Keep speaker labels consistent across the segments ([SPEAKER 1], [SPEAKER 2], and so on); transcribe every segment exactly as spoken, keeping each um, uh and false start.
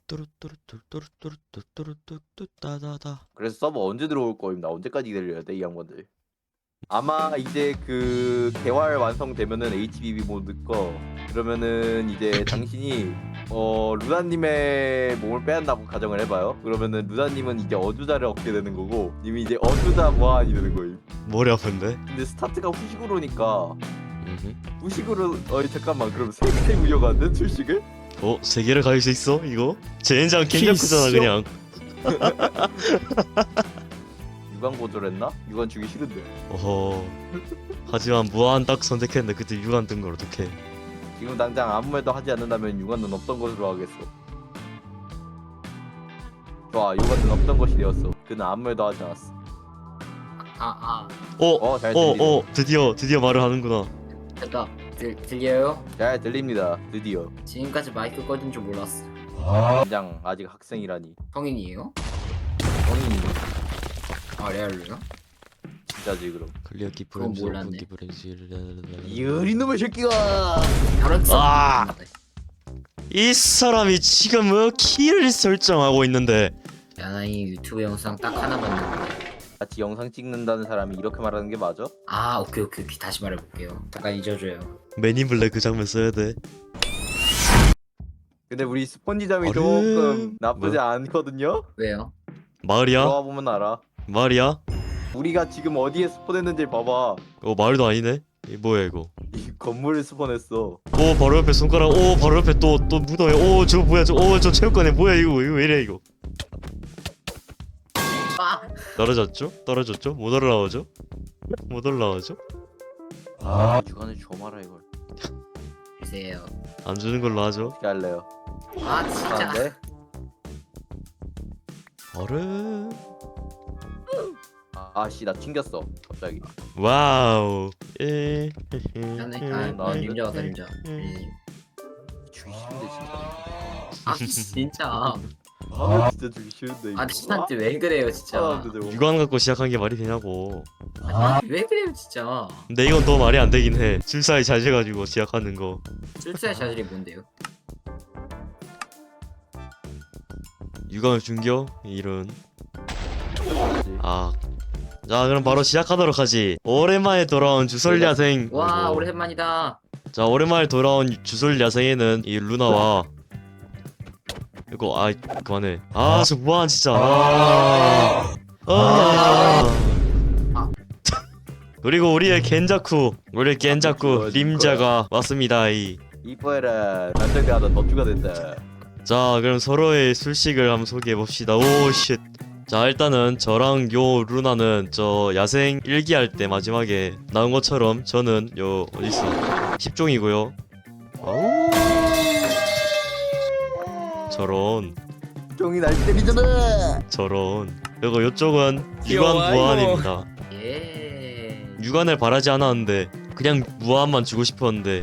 [SPEAKER 1] 뚜루뚜루뚜루뚜루뚜루뚜루뚜루뚜따다다.
[SPEAKER 2] 그래서 서버 언제 들어올 거임? 나 언제까지 기다려야 돼 이 양반들? 아마 이제 그 개발 완성되면은 에이치비비 모드 거 그러면은 이제 당신이 어 루다님의 몸을 빼앗나고 가정을 해봐요. 그러면은 루다님은 이제 어주자를 얻게 되는 거고 님이 이제 어주자 보안이 되는 거임.
[SPEAKER 1] 머리 아픈데?
[SPEAKER 2] 근데 스타트가 후식으로니까
[SPEAKER 1] 음흠.
[SPEAKER 2] 후식으로 어이 잠깐만 그럼 세 개 운영하는 출식을?
[SPEAKER 1] 어? 세 개를 가질 수 있어? 이거? 젠장 갱자쿠잖아 그냥.
[SPEAKER 2] 유관 고졸했나? 유관 주기 싫은데.
[SPEAKER 1] 어허. 하지만 무한 딱 선택했는데 그때 유관 뜬 걸 어떡해.
[SPEAKER 2] 지금 당장 아무 말도 하지 않는다면 유관은 없던 것으로 하겠어. 좋아, 유관은 없던 것이 되었어. 그는 아무 말도 하지 않았어.
[SPEAKER 3] 아, 아,
[SPEAKER 1] 어?
[SPEAKER 2] 어, 잘
[SPEAKER 1] 어?
[SPEAKER 2] 들리네.
[SPEAKER 1] 어? 드디어 드디어 말을 하는구나.
[SPEAKER 3] 됐다. 들, 들려요?
[SPEAKER 2] 잘 들립니다. 드디어.
[SPEAKER 3] 지금까지 마이크 꺼진 줄 몰랐어.
[SPEAKER 2] 당장 아직 학생이라니.
[SPEAKER 3] 성인이에요?
[SPEAKER 2] 성인이
[SPEAKER 3] 아, 레알로요?
[SPEAKER 2] 진짜지 그럼.
[SPEAKER 1] 클리어
[SPEAKER 3] 그건
[SPEAKER 1] 기프렌즈 오픈
[SPEAKER 3] 몰랐네.
[SPEAKER 1] 기프렌즈.
[SPEAKER 2] 이 어린 놈의 새끼가.
[SPEAKER 3] 다른
[SPEAKER 1] 아!
[SPEAKER 3] 아!
[SPEAKER 1] 이 사람이 지금 뭐 키를 설정하고 있는데.
[SPEAKER 3] 야나이 유튜브 영상 딱 하나 봤는데.
[SPEAKER 2] 같이 영상 찍는다는 사람이 이렇게 말하는 게 맞아?
[SPEAKER 3] 아, 오케이, 오케이, 오케이. 다시 말해볼게요. 잠깐 잊어줘요.
[SPEAKER 1] 맨인블랙 그 장면 써야 돼.
[SPEAKER 2] 근데 우리 스폰지점이
[SPEAKER 1] 어른.
[SPEAKER 2] 조금 나쁘지
[SPEAKER 1] 뭐?
[SPEAKER 2] 않거든요?
[SPEAKER 3] 왜요?
[SPEAKER 1] 마을이야?
[SPEAKER 2] 들어와 보면 알아.
[SPEAKER 1] 마을이야?
[SPEAKER 2] 우리가 지금 어디에 스폰했는지 봐봐.
[SPEAKER 1] 어 마을도 아니네. 이 뭐야 이거?
[SPEAKER 2] 이 건물을 스폰했어.
[SPEAKER 1] 오 바로 옆에 손가락. 오 바로 옆에 또 또 무덤에. 오 저 뭐야 저. 오 저 체육관에 뭐야 이거 이거 왜 이래 이거?
[SPEAKER 3] 아!
[SPEAKER 1] 떨어졌죠? 떨어졌죠? 못 올라오죠? 못 올라오죠?
[SPEAKER 2] 아, 주간에 줘마라 이걸.
[SPEAKER 3] 주세요.
[SPEAKER 1] 안 주는 걸로 하죠.
[SPEAKER 2] 어떻게 할래요?
[SPEAKER 3] 아, 진짜.
[SPEAKER 2] 네?
[SPEAKER 1] 어른.
[SPEAKER 2] 아씨 나 튕겼어 갑자기.
[SPEAKER 1] 와우. 에.
[SPEAKER 3] 야나이, 아,
[SPEAKER 2] 나
[SPEAKER 3] 나 님자 왔다, 님자.
[SPEAKER 1] 음.
[SPEAKER 3] 님.
[SPEAKER 2] 주기 싫은데 진짜.
[SPEAKER 3] 아, 진짜.
[SPEAKER 2] 아 진짜 주기 싫은데 이거.
[SPEAKER 3] 아, 친한테 왜 그래요, 진짜.
[SPEAKER 2] 아, 근데 뭐-
[SPEAKER 1] 유관 갖고 시작한 게 말이 되냐고.
[SPEAKER 3] 아, 왜 그래요, 진짜.
[SPEAKER 1] 근데 이건 더 말이 안 되긴 해. 출사에 자제가지고 시작하는 거.
[SPEAKER 3] 출세의 자질이 뭔데요?
[SPEAKER 1] 유관을 준겨? 이런. 아. 자 그럼 바로 시작하도록 하지. 오랜만에 돌아온 주설 야생.
[SPEAKER 3] 와,
[SPEAKER 1] 아이고.
[SPEAKER 3] 오랜만이다.
[SPEAKER 1] 자 오랜만에 돌아온 주설 야생에는 이 루나와 이거 아 그만해. 아 저 뭐한 진짜. 아. 아. 그리고 우리의 겐자쿠, 우리 겐자쿠 림자가 왔습니다. 이.
[SPEAKER 2] 이뻐해라. 남자가 하다 덧주가 된다.
[SPEAKER 1] 자 그럼 서로의 술식을 한번 소개해 봅시다. 오 쉣. 자 일단은 저랑 요 루나는 저 야생 일기 할 때 마지막에 나온 것처럼 저는 요 어딨어 십종이고요. 아우 저런
[SPEAKER 2] 종이 날 때리잖아.
[SPEAKER 1] 저런. 그리고 요쪽은
[SPEAKER 2] 귀여워,
[SPEAKER 1] 유관 무한입니다.
[SPEAKER 3] 예.
[SPEAKER 1] 유관을 바라지 않았는데 그냥 무한만 주고 싶었는데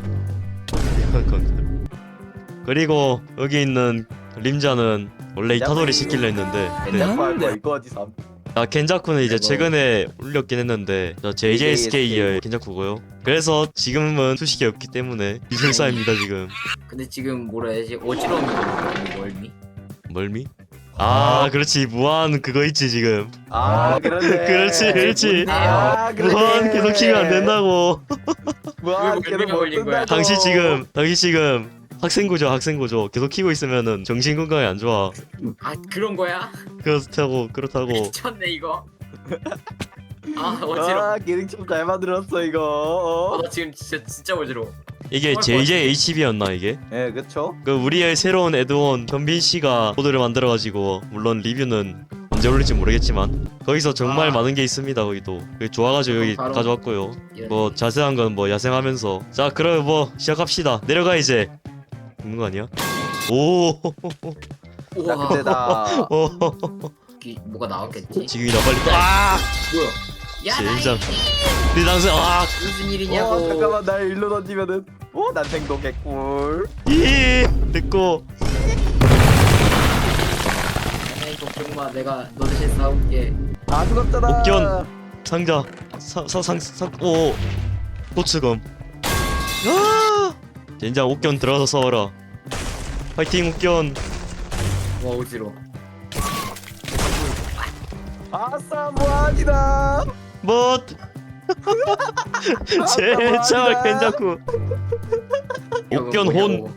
[SPEAKER 1] 그리고 여기 있는 림자는 원래 이타도리 시킬려 했는데 네.
[SPEAKER 2] 할 거야 이거 어디 삼.
[SPEAKER 1] 아 겐자쿠는 이제
[SPEAKER 3] 아이고.
[SPEAKER 1] 최근에 올렸긴 했는데 저 제이제이에스케이의 겐자쿠고요. 그래서 지금은 수식이 없기 때문에 비술사입니다 지금.
[SPEAKER 3] 근데 지금 뭐라 해야지? 어지러움이 걸리거든요, 멀미?
[SPEAKER 1] 멀미? 아 그렇지 무한 그거 있지 지금.
[SPEAKER 2] 아 그렇네.
[SPEAKER 1] 그렇지 그렇지.
[SPEAKER 2] 아 그래.
[SPEAKER 1] 무한 계속 키면 안 된다고.
[SPEAKER 2] 무한
[SPEAKER 3] 왜
[SPEAKER 2] 계속
[SPEAKER 3] 걸린
[SPEAKER 2] 못
[SPEAKER 3] 거야?
[SPEAKER 2] 뜬다고.
[SPEAKER 1] 당신 지금 당신 지금 학생고죠 학생고죠. 계속 키고 있으면은 정신 건강에 안 좋아.
[SPEAKER 3] 아, 그런 거야?
[SPEAKER 1] 그렇다고 그렇다고.
[SPEAKER 3] 미쳤네, 이거. 아, 어지러워.
[SPEAKER 2] 아 기능 좀 잘 만들었어
[SPEAKER 3] 어,
[SPEAKER 2] 이거.
[SPEAKER 3] 나 지금 진짜, 진짜 어지러워.
[SPEAKER 1] 이게 제이제이에이치비였나 이게?
[SPEAKER 2] 예 그쵸?
[SPEAKER 1] 그 우리의 새로운 애드온 현빈 씨가 코드를 만들어가지고 물론 리뷰는 언제 올릴지 모르겠지만 거기서 정말
[SPEAKER 3] 아.
[SPEAKER 1] 많은 게 있습니다. 거기도 그게 좋아가지고 여기
[SPEAKER 3] 바로-
[SPEAKER 1] 가져왔고요.
[SPEAKER 3] 이런-
[SPEAKER 1] 뭐 자세한 건 뭐 야생하면서 자 그럼 뭐 시작합시다. 내려가 이제. 있는 거 아니야? 오.
[SPEAKER 2] 나
[SPEAKER 3] 우와,
[SPEAKER 2] 근데 나
[SPEAKER 3] 기- 뭐가 나왔겠지?
[SPEAKER 1] 지금이다 빨리. 아.
[SPEAKER 3] 뭐야? 야,
[SPEAKER 1] 젠장.
[SPEAKER 3] 나이
[SPEAKER 1] 네 당신 아.
[SPEAKER 3] 무슨 일이냐고.
[SPEAKER 2] 어 잠깐만 날 일로 던지면은 오난 생동 개꿀.
[SPEAKER 1] 이. 됐고.
[SPEAKER 3] 에이, 걱정 마. 내가 너 대신 싸울게.
[SPEAKER 2] 아 죽었잖아.
[SPEAKER 1] 옥견. 상자. 사상상 오. 고추검. 아. 젠장 옥견 들어가서 싸워라. 파이팅 옥견.
[SPEAKER 3] 와 어지러.
[SPEAKER 2] 아싸 무한이다.
[SPEAKER 1] 뭐 제창을 괜찮고 옥견 혼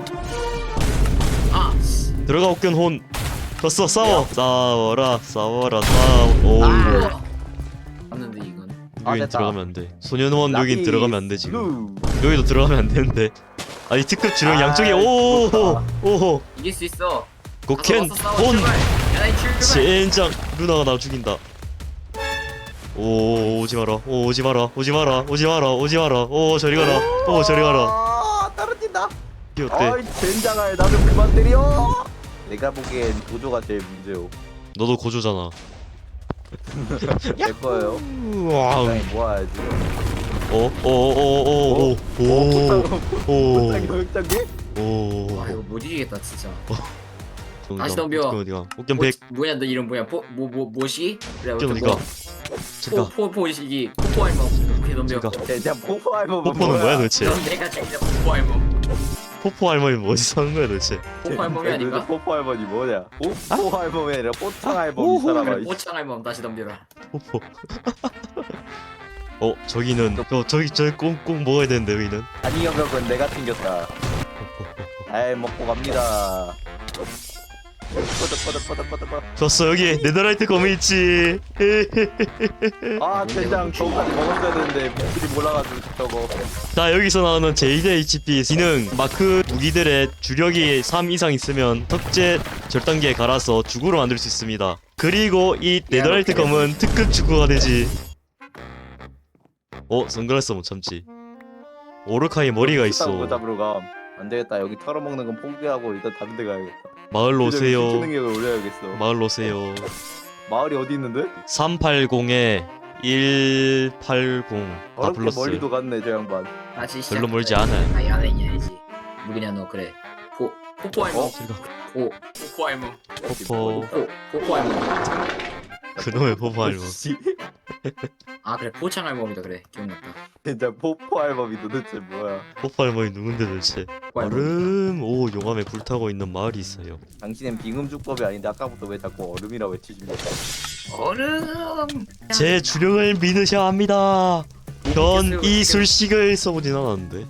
[SPEAKER 3] 아.
[SPEAKER 1] 들어가 옥견 혼 졌어. 싸워 싸워라 싸워라 싸워. 오우
[SPEAKER 3] 아. 맞는데 이건.
[SPEAKER 2] 아,
[SPEAKER 1] 여긴
[SPEAKER 2] 됐다.
[SPEAKER 1] 들어가면 안 돼. 소년원 여긴
[SPEAKER 2] 라피스
[SPEAKER 1] 들어가면 안 돼 지금.
[SPEAKER 2] 블루.
[SPEAKER 1] 여기도 들어가면 안 되는데. 아니 특급 주령
[SPEAKER 2] 아,
[SPEAKER 1] 양쪽에 오호
[SPEAKER 2] 죽었다.
[SPEAKER 1] 오호
[SPEAKER 3] 이길 수 있어.
[SPEAKER 1] 고켄
[SPEAKER 3] 가서 싸워,
[SPEAKER 1] 혼
[SPEAKER 3] 출발. 야나이 출발.
[SPEAKER 1] 젠장. 루나가 나 죽인다. 오 오지 마라. 오 오지 마라. 오지 마라. 오지 마라. 오지 마라. 오 저리 가라. 오 저리 가라.
[SPEAKER 2] 아, 떨어진다.
[SPEAKER 1] 이게 어때?
[SPEAKER 2] 아이 젠장아 나좀 그만 때려. 내가 보기엔 도조가 제일 문제요.
[SPEAKER 1] 너도 고조잖아.
[SPEAKER 2] 내 거예요.
[SPEAKER 1] 와우.
[SPEAKER 2] 적당히 모아야지.
[SPEAKER 1] 어? 오오오오오오오 오. 오.
[SPEAKER 3] 와 이거 못 이기겠다 진짜.
[SPEAKER 1] 정답.
[SPEAKER 3] 다시 덤벼.
[SPEAKER 1] 옥견 어디가? 옥견 백.
[SPEAKER 3] 뭐, 뭐냐 너 이름 뭐야? 포뭐뭐 뭐시? 그래
[SPEAKER 1] 옥견
[SPEAKER 3] 어쨌든
[SPEAKER 1] 어디가?
[SPEAKER 3] 뭐,
[SPEAKER 1] 잠깐.
[SPEAKER 3] 포 포포시기 포포 알몸. 오케이 덤벼.
[SPEAKER 1] 잠깐.
[SPEAKER 2] 젠장 포포 앨범
[SPEAKER 1] 포포는 뭐야 도대체?
[SPEAKER 3] 넌 내가 진짜 포포 알몸.
[SPEAKER 1] 포포 할머니 뭐 어디서 하는 거야 도대체?
[SPEAKER 3] 포포 알몸이 아닌가?
[SPEAKER 2] 포포 앨범이 뭐냐? 포포 앨범이 아니라 포창 앨범 이 사람아.
[SPEAKER 3] 그래 포창 알몸 다시 덤벼라.
[SPEAKER 1] 포포. 어 저기는 어 저기 저기 꼭꼭 먹어야 되는데 여기는.
[SPEAKER 2] 아니 영역은 내가 챙겼다. 잘 먹고 갑니다. 꺼져 꺼져 꺼져 꺼져 꺼져.
[SPEAKER 1] 좋았어 여기 네더라이트 검이 있지.
[SPEAKER 2] 아 젠장 저거까지 먹었어야 되는데 목소리 몰라가지고 저거.
[SPEAKER 1] 자 여기서 나오는 제이디 에이치피 기능 마크 무기들의 주력이 삼 이상 있으면 턱제 절단기에 갈아서 주구로 만들 수 있습니다. 그리고 이 네더라이트 검은 특급 주구가 되지. 어 선글라스 못 참지. 오르카이 머리가 있어.
[SPEAKER 2] 잡으러 감. 안 되겠다. 여기 털어먹는 건 포기하고 일단 다른 데 가야겠다.
[SPEAKER 1] 마을로 오세요.
[SPEAKER 2] 능력을 올려야겠어.
[SPEAKER 1] 마을로 오세요.
[SPEAKER 2] 마을이 어디 있는데?
[SPEAKER 1] 삼팔공에 일팔공 다
[SPEAKER 2] 어렵게
[SPEAKER 1] 불렀어요.
[SPEAKER 2] 멀리도 갔네 저 양반.
[SPEAKER 3] 다시
[SPEAKER 1] 별로
[SPEAKER 3] 시작.
[SPEAKER 1] 멀지 않아.
[SPEAKER 3] 아 야나이야지. 누구냐 너 그래. 포 포포 알몸.
[SPEAKER 2] 어?
[SPEAKER 1] 저리가.
[SPEAKER 3] 포 포포 알몸.
[SPEAKER 1] 포포
[SPEAKER 3] 포 포포 알몸.
[SPEAKER 1] 그놈의 포포 알몸.
[SPEAKER 2] 씨,
[SPEAKER 3] 아 그래 포창 알몸이다 그래 기억났다.
[SPEAKER 2] 진짜 포포 앨범이 도대체 뭐야?
[SPEAKER 1] 포포 알몸이 누군데 도대체?
[SPEAKER 3] 포포 알몸.
[SPEAKER 1] 얼음 오 용암에 불타고 있는 마을이 있어요.
[SPEAKER 2] 당신은 빙음주법이 아닌데 아까부터 왜 자꾸 얼음이라고 외치십니까?
[SPEAKER 3] 얼음.
[SPEAKER 1] 제 주력을 믿으셔야 합니다. 전 이 술식을 써보진 않았는데.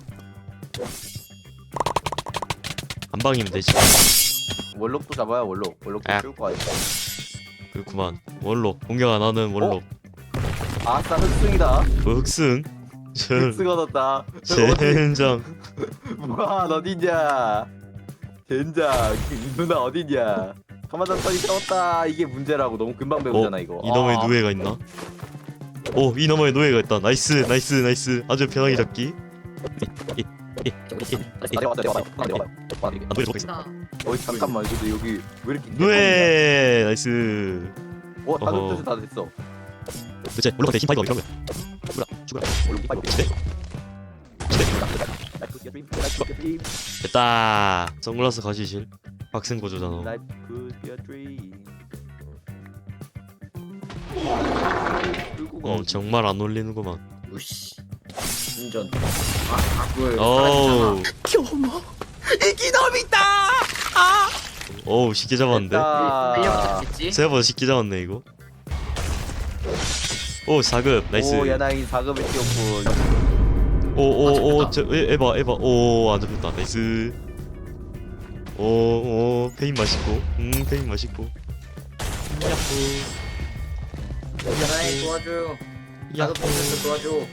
[SPEAKER 1] 한 방이면 되지.
[SPEAKER 2] 월록도 잡아야 월록. 월록도
[SPEAKER 1] 아.
[SPEAKER 2] 키울 거 아니야.
[SPEAKER 1] 그렇구만. 원록 공격 안 하는 원록.
[SPEAKER 2] 아싸 흑승이다.
[SPEAKER 1] 그 흑승. 저
[SPEAKER 2] 흑승 얻었다.
[SPEAKER 1] 젠장.
[SPEAKER 2] 무한 어디냐? 젠장 누나 어디냐? 가마단 터이 싸웠다. 이게 문제라고 너무 금방 배우잖아 이거.
[SPEAKER 1] 이놈의
[SPEAKER 2] 아.
[SPEAKER 1] 누에가 있나? 오 이놈의 누에가 있다. 나이스 나이스 나이스. 아주 편하게 잡기.
[SPEAKER 2] 아, 내려와 내려와 내려와 내려와.
[SPEAKER 1] 아 누에 저거 있어.
[SPEAKER 3] 나
[SPEAKER 2] 어이 잠깐만 근데 여기 왜 이렇게
[SPEAKER 1] 누에 나이스.
[SPEAKER 2] 와 다른
[SPEAKER 1] 어허.
[SPEAKER 2] 뜻이 다 됐어.
[SPEAKER 1] 도대체 올라갈 때 힘파이버 이런 거야. 죽어라 죽어라.
[SPEAKER 2] 월록 파이브.
[SPEAKER 1] 시대. 됐다. 선글라스 가시실. 박생 고조잖아.
[SPEAKER 2] Life could be a dream.
[SPEAKER 1] 어 정말 안 어울리는구만.
[SPEAKER 3] 우씨. 운전. 아 악을.
[SPEAKER 1] 어우
[SPEAKER 2] 교모 이기놈이다. 아.
[SPEAKER 1] 어우 쉽게 잡았는데.
[SPEAKER 2] 됐다.
[SPEAKER 3] 알려줬겠지?
[SPEAKER 1] 생각보다 쉽게 잡았네 이거. 오 사 급 나이스.
[SPEAKER 2] 오 야나이 사급을 띄웠군.
[SPEAKER 3] 아,
[SPEAKER 1] 오오오 저 에- 에바 에바 오안 잡혔다 나이스. 오오 페인 맛있고 음 페인 맛있고. 야호
[SPEAKER 3] 야나이 도와줘.
[SPEAKER 1] 야호.
[SPEAKER 3] 나도 도와줘 도와줘.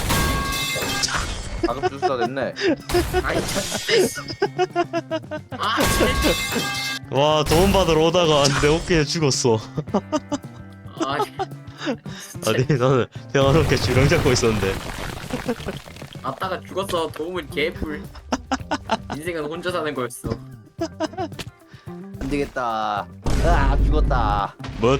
[SPEAKER 2] 사급 주스가 됐네.
[SPEAKER 3] 아이 참. 아 참.
[SPEAKER 1] 와 도움 받으러 오다가 내 어깨에 죽었어.
[SPEAKER 3] 아.
[SPEAKER 1] 아니 나는 평화롭게 주령 잡고 있었는데.
[SPEAKER 3] 아따가 죽었어. 도움은 개뿔. 인생은 혼자 사는 거였어.
[SPEAKER 2] 안 되겠다. 아 죽었다.
[SPEAKER 1] 뭣?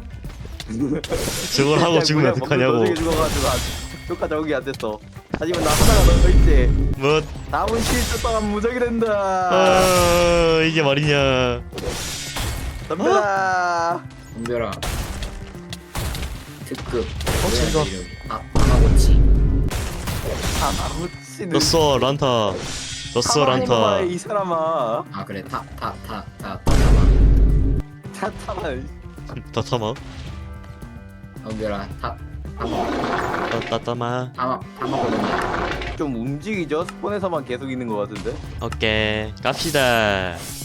[SPEAKER 1] 저걸 하고 죽으면 어떡하냐고.
[SPEAKER 2] 먹는 죽어가지고 효과 적응이 안 됐어. 하지만 나 하나가 더 있지.
[SPEAKER 1] 뭣?
[SPEAKER 2] 남은 칠 주 동안 무적이 된다.
[SPEAKER 1] 아 이게 말이냐.
[SPEAKER 2] 덤벼라.
[SPEAKER 3] 덤벼라. 특급.
[SPEAKER 1] 어, 진짜.
[SPEAKER 3] 아 아마고치.
[SPEAKER 2] 아무치는.
[SPEAKER 1] 졌어 란타. 졌어 란타.
[SPEAKER 2] 이 사람아.
[SPEAKER 3] 아 그래 탑탑탑탑탑
[SPEAKER 2] 타타만
[SPEAKER 1] 따타마
[SPEAKER 3] 덤벼라 다
[SPEAKER 1] 따따마
[SPEAKER 3] 다 다 먹거든요.
[SPEAKER 2] 좀 움직이죠? 스폰에서만 계속 있는 것 같은데.
[SPEAKER 1] 오케이 갑시다